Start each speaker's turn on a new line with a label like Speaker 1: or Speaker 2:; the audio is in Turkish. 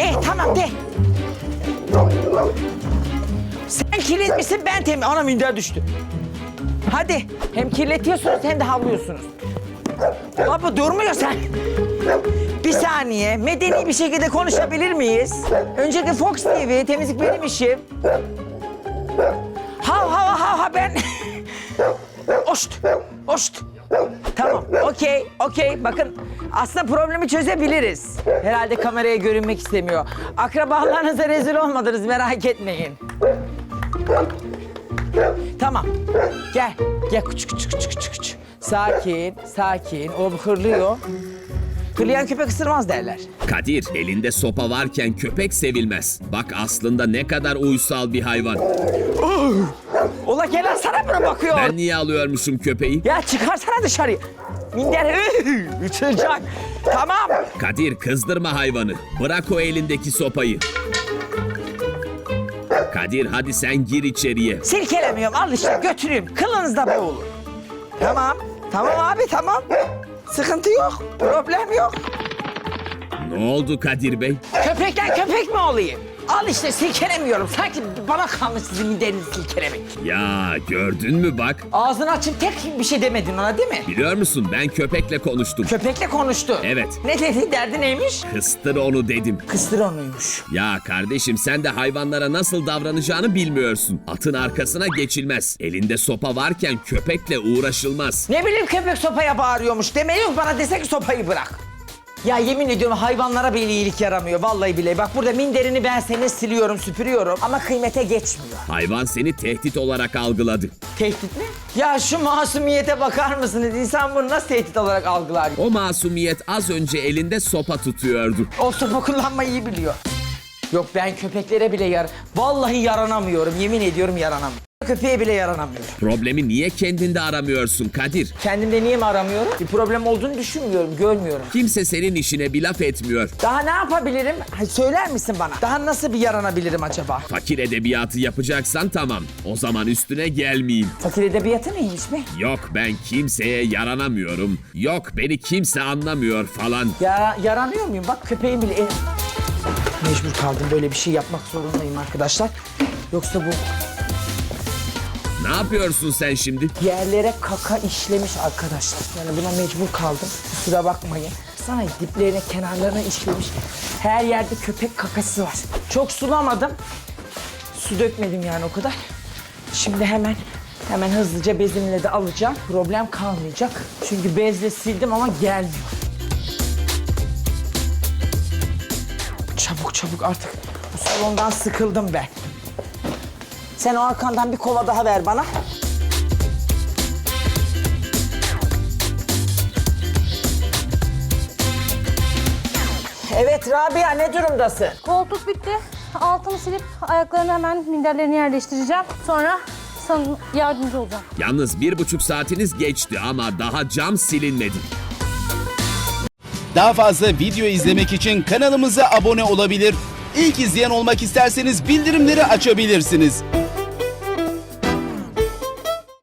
Speaker 1: Tamam de. Sen kirletmişsin, ben temiz. Ana minder düştü. Hadi. Hem kirletiyorsunuz hem de havlıyorsunuz. Baba durmuyor sen. Bir saniye. Medeni bir şekilde konuşabilir miyiz? Öncelikle Fox TV, temizlik benim işim. Ha ben... Oşt. Tamam, okey. Bakın aslında problemi çözebiliriz. Herhalde kameraya görünmek istemiyor. Akrabalarınıza rezil olmadınız, merak etmeyin. Tamam, gel küçük. Sakin. O hırlıyor. Hırlayan köpek ısırmaz derler.
Speaker 2: Kadir, elinde sopa varken köpek sevilmez. Bak aslında ne kadar uysal bir hayvan.
Speaker 1: Ola gelen sana mı bakıyor?
Speaker 2: Ben niye alıyormuşum köpeği?
Speaker 1: Ya çıkarsana dışarı. Minder uçacak. Tamam.
Speaker 2: Kadir, kızdırma hayvanı. Bırak o elindeki sopayı. Kadir, hadi sen gir içeriye.
Speaker 1: Silkelemiyorum, al işte götüreyim. Kılınızda boğulur. Tamam abi tamam. Sıkıntı yok, problem yok.
Speaker 2: Ne oldu Kadir Bey?
Speaker 1: Köpekten köpek mi olayım? Al işte silkelemiyorum. Sanki bana kalmış sizin miderinizi silkelemek.
Speaker 2: Ya gördün mü bak.
Speaker 1: Ağzını açıp tek bir şey demedin ona değil mi?
Speaker 2: Biliyor musun, ben köpekle konuştum.
Speaker 1: Köpekle konuştu.
Speaker 2: Evet.
Speaker 1: Ne dedi, derdi neymiş?
Speaker 2: Kıstır onu dedim.
Speaker 1: Kıstır onuymuş.
Speaker 2: Ya kardeşim, sen de hayvanlara nasıl davranacağını bilmiyorsun. Atın arkasına geçilmez. Elinde sopa varken köpekle uğraşılmaz.
Speaker 1: Ne bileyim köpek sopaya bağırıyormuş. Demeyi yok, bana dese ki sopayı bırak. Ya yemin ediyorum hayvanlara bile iyilik yaramıyor. Vallahi bile. Bak burada minderini ben senin siliyorum, süpürüyorum ama kıymete geçmiyor.
Speaker 2: Hayvan seni tehdit olarak algıladı.
Speaker 1: Tehdit mi? Ya şu masumiyete bakar mısınız? İnsan bunu nasıl tehdit olarak algılar?
Speaker 2: O masumiyet az önce elinde sopa tutuyordu.
Speaker 1: O sopa kullanmayı iyi biliyor. Yok ben köpeklere bile vallahi yaranamıyorum. Yemin ediyorum yaranamıyorum. Köpeğe bile yaranamıyorum.
Speaker 2: Problemi niye kendinde aramıyorsun Kadir?
Speaker 1: Kendimde niye mi aramıyorum? Bir problem olduğunu düşünmüyorum, görmüyorum.
Speaker 2: Kimse senin işine bir laf etmiyor.
Speaker 1: Daha ne yapabilirim? Söyler misin bana? Daha nasıl bir yaranabilirim acaba?
Speaker 2: Fakir edebiyatı yapacaksan tamam. O zaman üstüne gelmeyeyim.
Speaker 1: Fakir edebiyatı neymiş mi?
Speaker 2: Yok ben kimseye yaranamıyorum. Yok beni kimse anlamıyor falan.
Speaker 1: Ya yaranıyor muyum? Bak köpeğim bile... Mecbur kaldım, böyle bir şey yapmak zorundayım arkadaşlar. Yoksa bu...
Speaker 2: Ne yapıyorsun sen şimdi?
Speaker 1: Yerlere kaka işlemiş arkadaşlar. Yani buna mecbur kaldım. Kusura bakmayın. Sana diplerine, kenarlarına işlemiş. Her yerde köpek kakası var. Çok sulamadım. Su dökmedim yani o kadar. Şimdi hemen hızlıca bezimle de alacağım. Problem kalmayacak. Çünkü bezle sildim ama gelmiyor. Çabuk artık. Bu salondan sıkıldım ben. Sen o arkandan bir kova daha ver bana. Evet Rabia, ne durumdasın?
Speaker 3: Koltuk bitti. Altını silip ayaklarını hemen minderlerini yerleştireceğim. Sonra sana yardımcı olacağım.
Speaker 2: Yalnız 1,5 saatiniz geçti ama daha cam silinmedi.
Speaker 4: Daha fazla video izlemek için kanalımıza abone olabilir. İlk izleyen olmak isterseniz bildirimleri açabilirsiniz.